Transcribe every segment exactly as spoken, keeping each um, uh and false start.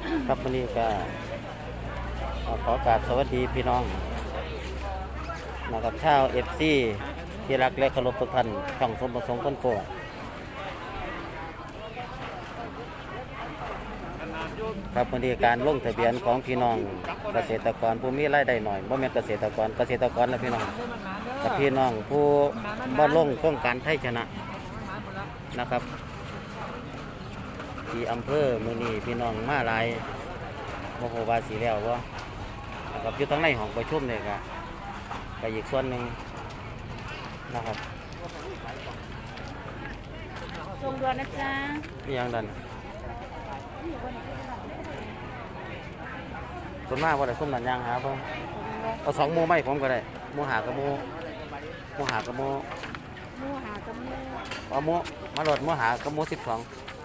ครับวันนี้ก็ขอกราบสวัสดีพี่น้องนะครับชาวเอฟซีที่รักและเคารพทุกท่านช่องสมประสงค์คนโกครับวันนี้การลงทะเบียนของพี่น้องเกษตรกรผู้มีรายได้หน่อยบ่แม่นเกษตรกรเกษตรกรนะพี่น้องกับพี่น้องผู้บ่ลงโครงการไทยชนะนะครับที่อำเภอมือนีพี่น้องมาหลายโมโหวาสีแล้วว่านะครับอยู่ทั้งในห้องประชุมเนี่ยครับไปอีกส่วนหนึ่งนะครับส่งด่วนนะจ๊ะนี่ยังดันส่วนมากว่าแต่ส้มดันยางหาเพิ่มเอาสองโมไม่ผมก็ได้โมหากระโมโมหากระโมโมหากระโมเอาโมมาโหลดโมหากระโมสิบสอง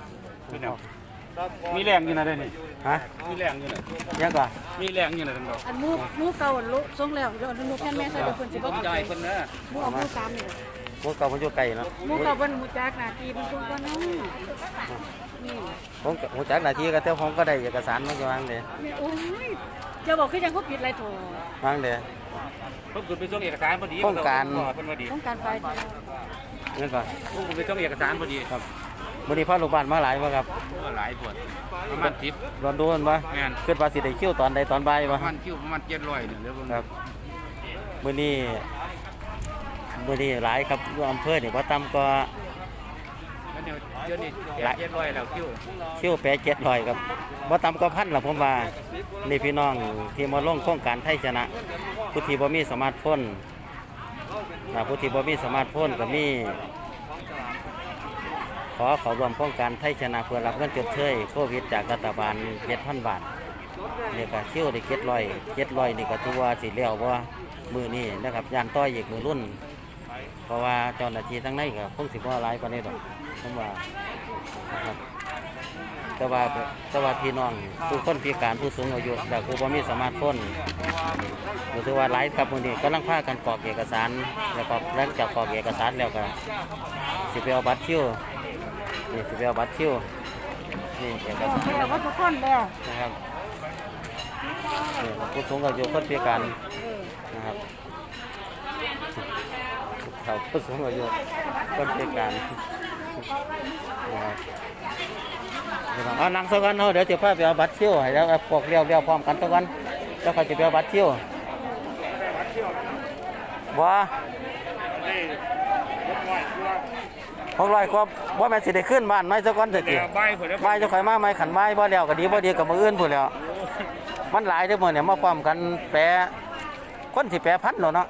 มีแรงอยู่นะเด้นี่ฮะมีแรงอยู่นะยังก่อนมีแรงอยู่นะท่านบอกอันมูมูเก่าลุส่งแล้วเดี๋ยวอันมูแค่แม่ใส่เป็นคนสิบใหญ่คนนะมูเอามูสามนี่มูเก่ามันอยู่ไกลเนาะมูเก่าเป็นมูจักนาทีมันคงก็น้องนี่ผมมูจักนาทีก็เท่าผมก็ได้เอกสารมันจะวางเลยโอ้ยจะบอกคือยังเขาผิดอะไรโถวางเลยผมคุณไปส่งเอกสารพอดีต้องการต้องการไปนี่ก่อนผมคุณไปส่งเอกสารพอดีครับวันนี้พ่อลูกบ้านมาหลายป่ะครับหลายปวดประมาณสิบร้อนดูนป่ะขึ้นภาษีได้คิ้วตอนใดตอนบ่ายป่ะประมาณคิ้วประมาณเจ็ดร้อยเนี่ยเรื่องครับวันนี้วันนี้หลายครับอยู่อำเภอเนี่ยว่าต่ำก็เดี๋ยวเดี๋ยวนี้เจ็ดร้อยแล้วคิ้วคิ้วแปดเจ็ดร้อยครับว่าต่ำก็พันละผมว่านี่พี่น้องที่มาลงโครงการไทยชนะผู้ที่บ่มีสมาร์ทโฟนนะผู้ที่บ่มีสมาร์ทโฟนก็มีขอขอรวมโครงการไทยชนะเพื่อรับเงินชดเชยโควิดจากรัฐบาลเจ็ดพันบาทนี่ก็คิ้วได้เจ็ดร้อยเจ็ดร้อยนี่ก็ถือว่าสิเลี้ยวว่ามือนี่นะครับยานต้อยอีกมือรุ่นเพราะว่าเจ้าหน้าที่ทั้งในก็คงสิบว่าหลายกว่านี้ดอกผมว่านะครับแต่ว่าแต่ว่าพี่น้องผู้คนพิการผู้สูงอายุแต่ผู้บ่มีสมาร์ทโฟนหรือว่าหลายกับมือนี่ก็ลังพากันกรอกเอกสารแล้วก็หลังจากกรอกเอกสารแล้วก็สิไปเอาบัตรคิวนี่สิไปเอาบัตรคิวนี่เอกสารแล้วก็ทุกคนแล้วนะครับนี่ผู้สูงอายุคนพิการนะครับเขาผู้สูงอายุคนพิการนะครับเอานั่งสักวันเดี๋ยวจะพาไปเอาบัตรคิวให้แล้วพวกเลี้ยวเลี้ยวพร้อมกันสักวันแล้วเขาจะไปเอาบัตรคิวว่าหกร้อยกว่าว่าแม่สิได้ขึ้นบ้านไม่สักวันเถอะกี่ไม่จะคอยมาไม่ขันไม่บ่แล้วก็ดีบ่ดีกับมืออื่นพูดแล้วมันหลายทุกมือเนี่ยมาความกันแปรคนสิแปรพันหรอเนาะ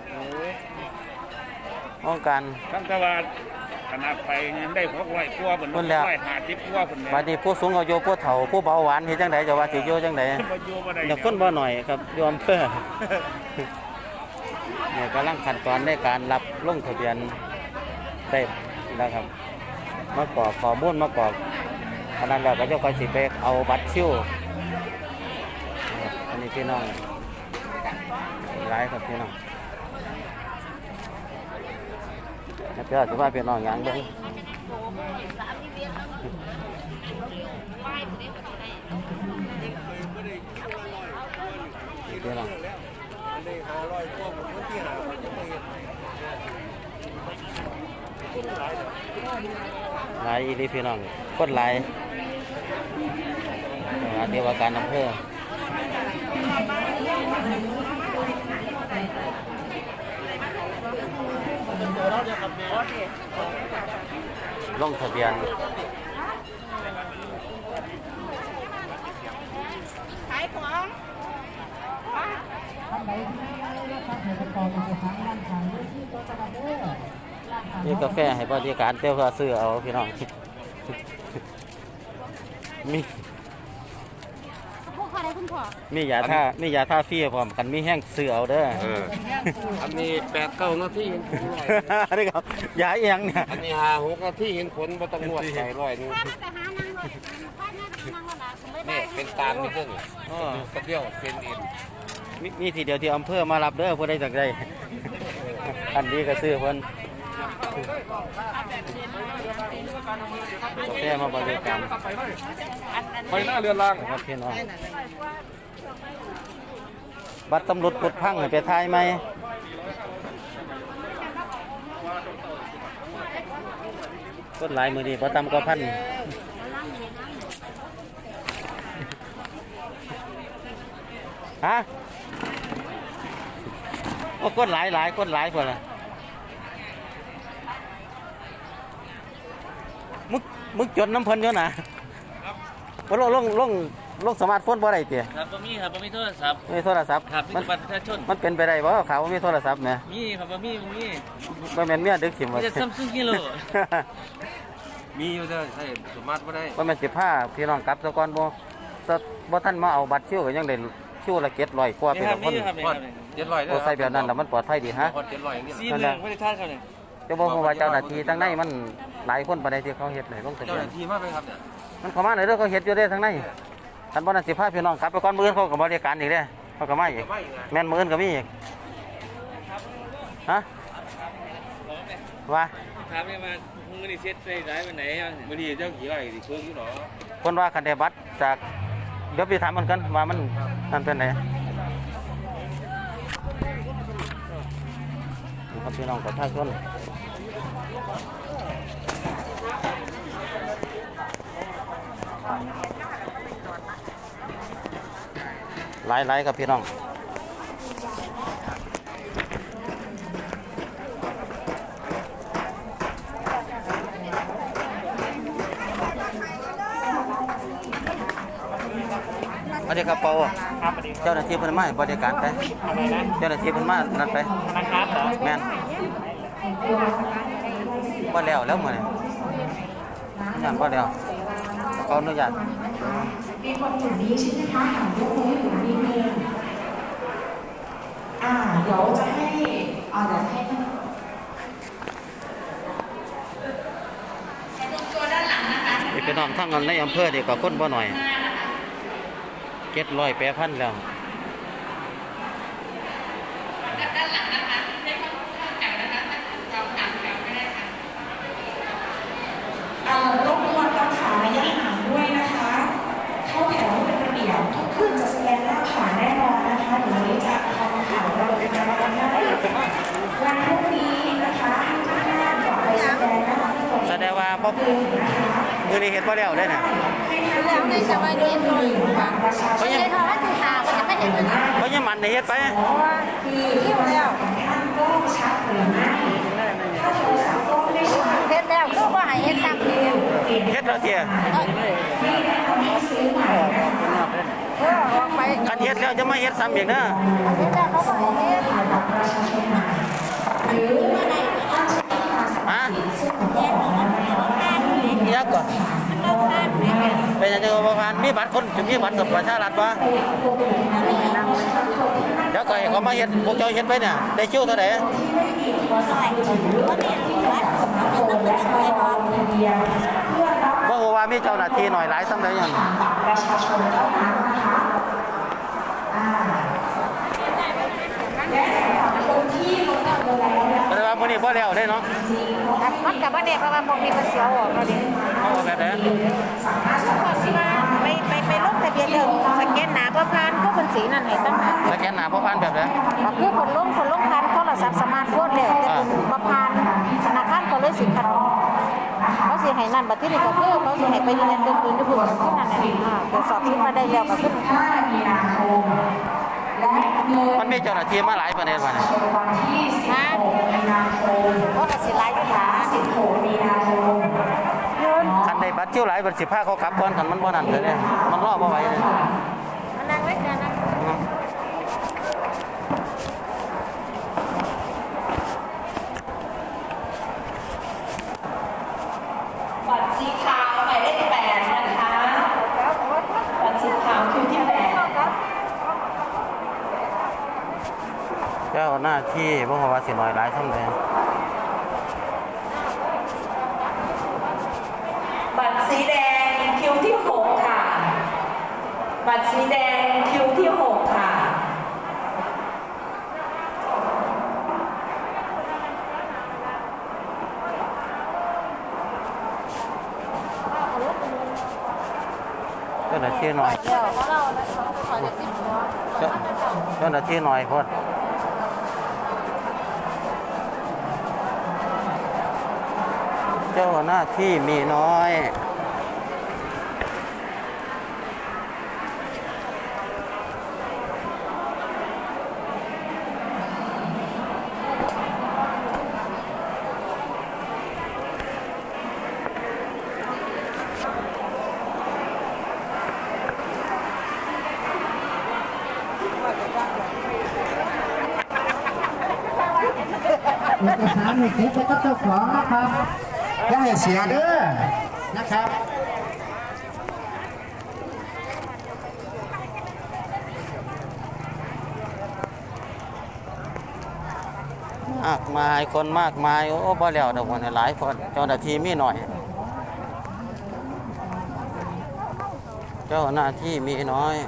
องการตั้งแต่ว่าขนาดไปได้หกร้อยกว่าบนร้อยห้าสิบกว่าคนบาดนี้ผู้สูงอายุผู้เฒ่าผู้เบาหวานเห็นจังไดจะว่าสิโยจังไดเดี๋ยวคนบ่หน่อยครับยอมเพื่อเนี่ยกำลังขั้นตอนในการรับลงทะเบียนได้แล้วครับมากรอกข้อมูลมากรอกอันนั้นแล้วก็จะคอยสิไปเอาบัตรคิวอันนี้พี่น้องหลายครับพี่น้องเพื่อจะว่าพี่น้องอย่างนี้พี่น้องหลายอีลีพี่น้องคนหลายเดียวกันอำเภอลงทะเบียนขายของนี่กาแฟให้บริการเตี้ยวซื้อเอาพี่น้องมีมียาท่ามียาท่าฟรีพร้อมกันมีแห้งซื้อเอาเด้ออันนี้แปดเก้านาทีอันนี้ครับยาเอียงเนี่ยอันนี้ห้าหกนาทีเห็นผลบ่ต้องนวดใส่ร้อยนึงนี่เป็นตาลนี่เพิ่งกระเดี่ยวเป็นอินมีทีเดียวที่อำเภอมารับเด้อผู้ใดจากใดอันนี้ก็ซื้อเพิ่นแค่มาบริการไปหน้าเรือนรางนะครับพี่น้องบัตรตำรวจกดพังให้ไปทายไหมกดหลายมือดีพอตำก็พันฮะโอ้กดหลายหลายกดหลายพอละมึกมึกจดน้ำเพันเยอะนะว่าลงลงลงลงสมาร์ทโฟนบ่ได้เตี๋ยครับบ่มีครับบ่มีโทรศัพท์มีโทรศัพท์ครับมีมันแต่บัตรประชาชนมันเป็นไปได้บ่เขาว่ามีโทรศัพท์ไหมมีครับบ่มีบ่มีบ่แม่นเมียดึกขิมมีว่าแต่ซัมซุงกิโลมีอยู่เด้อใช่สามารถไม่ได้บ่แม่นสิพาพี่น้องกลับซะก่อนบ่แต่บ่ทันมาเอาบัตรคิวก็ยังได้คิวละเจ็ดร้อยกว่านี่เป็นครับคนนี่ครับนี่พคอรัดบเจ็ดร้อยโอ้ใส่แบบนั้นแล้วมันปลอดภัยดีฮะพอดเจ็ดร้อยอย่างนี้สี่เมืองไม่ได้ทานครับเนี่ยจะบอกว่าเจ้าหน้าที่ทั้งในมันหลายคนปานใดที่เขาเฮ็ดให้ลงทะเจ้าเบีหยนน้าที่มากไหมครับเนี่ยมันเข้ามาในเรื่องเขาเฮ็ดอยู่เด้ทั้งในคันบ่นั้นสิพาพี่น้องกลับไปก่อนมื้ออื่นเขาก็บริการอีกเด้เขาก็มาอีกไม่ไงแม่นมื้ออื่นก็มีอีกฮะว่าถามเนี่ยมามึงนี่เซ็ตได้หลายวันไหนบ้างมื่อนี้เจ้าขี่ไรดิเครื่องอยู่หรอคนว่าคันได้บัตรจากเดี๋ยวไปถามมันกันว่ามันนั่นเป็นไหนครับพี่น้องประชาชนหลายหลายครับพี่น้องสวัสดีครับเปาเจ้าหน้าที่เพิ่นมาให้บริการไปเจ้าหน้าที่เพิ่นมานั่นไปธนาคารเหรอแม่นบ่แล้วแล้วมื้อนี้งานบ่แล้วขออนุญาตมีคนอย่างนี้ใช่ไหมคะถามยกมือให้ผมนิดนึงอ่า เดี๋ยวจะให้อ่าเดี๋ยวให้ท่านนี่พี่น้องทั้งนั้นในอำเภอนี่ก็คนบ่หน่อยเจ็ดร้อยแปดพันแล้วเอ่อรบกวนรักษาระยะห่างด้วยนะคะ เข้าแถวให้เป็นระเบียบทุกขึ้นจะแสดงหน้าผ่านแน่นอนนะคะเดี๋ยววันนี้จะทำข่าวเราเป็นการวันหน้าวันพรุ่งนี้นะคะให้ทุกท่านกลับไปแสดงหน้าที่ตรงแสดงว่าบ่อื่นนะคะมื้อนี้เฮ็ดบ่แล้วเด้อน่ะให้ท่านแล้วในสวัสดีหนึ่งบัตรประชาชนไม่ใช่ทอดที่หามันจะไม่เห็นเลยนะเพราะยังมันนี่เฮ็ดไปเพราะว่าคือที่แล้วท่านก็ชัดหรือไม่ถ้าโทรศัพท์ก็ไม่ชัดเห็นแล้วก็ว่าให้เห็นซ้ำเดียวเฮ็ดแล้วเตี้ยที่แนะนำให้ซื้อใหม่นะคะเออออกไปคันเฮ็ดแล้วจะมาเฮ็ดซ้ำอีกเด้อเห็นแล้วเขาก็ให้เห็นถ่ายบัตรประชาชนใหม่หรือท่านใช้ภาษาฮะซึ่งแยกออกมาเป็นรถแรกอีหยังก่อนเป็นจังได๋บ่ผ่านมีบัตรคนมีบัตรกับประชารัฐบ่เดี๋ยวก็ให้เขามาเฮ็ดพวกเจ้าเฮ็ดไปเนี่ยได้คิวเท่าใดบ่ฮู้ว่ามีเจ้าหน้าที่หน่อยหลายซำใดหยังบัตรประชาชนเท่านั้นนะคะอ่าและสำหรับคนที่ลงทะเบียนแล้วนะแสดงว่ามื้อนี้บ่แล้วเด้เนาะมันกับว่าเด็กเพราะว่าบอกมีคนเสียวออกเราเด็กเอาแบบใดสามารถสัมผัสที่ว่าไปไปไปลงทะเบียนเดิมสแกนหนาเพื่อผ่านก็เป็นสีนั่นให้ตั้งหากสแกนหน้าบ่ผ่านแบบใดคือคนลงคนลงผ่านโทรศัพท์สมาร์ทโฟนเลยแต่เป็นบ่ผ่านธนาคารก็เลยสิคัดออกเขาสิให้นั่นบัดที่นี่ก็คือเขาสิให้ไปยืนยันเดิมปืนที่พูดกันขึ้นนั่นแหละอ่าตรวจสอบขึ้นมาได้แล้วก็ขึ้นห้ามีนาคมและเลยมันมีเจ้าหน้าที่มาหลายประเด็นว่าเนี่ยเป็นวันที่สิบหกมีนาคมเพราะก็สิหลายอยู่หาสิบหกมีนาคมคันได้บัตรคิวหลายบัตรสิพาเขากลับก่อนคันมันบ่นั่นเลยเนี่ยมันรอบ่ไหวเลยมันนั่งเล็กนะนะบัตรสีขาวหมายเลขแปดนะคะบัตรสีขาวคิวที่แปดเจ้าหน้าที่บ่ฮู้ว่าสิน้อยหลายซำใดบัตรสีแดงคิวที่หกค่ะ บัตรสีแดงคิวที่หกค่ะหน้าที่หน่อยเดี๋ยวของเราขอจะสิบหัวเจ้าเจ้าหน้าที่หน่อยพอดเจ้าหน้าที่มีน้อยเอกสารในคลิปก็เจ้าของนะครับอย่าให้เสียเด้อนะครับมากมายคนมากมายโอ้บ่แล้วดอกวันหลายคนเจ้าหน้าที่มีหน่อย เจ้าหน้าที่มีน้อย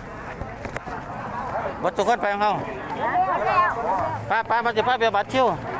บัตรทุกคนไปของเขาป้าป้ามาจะป้าเบียบัตรชิว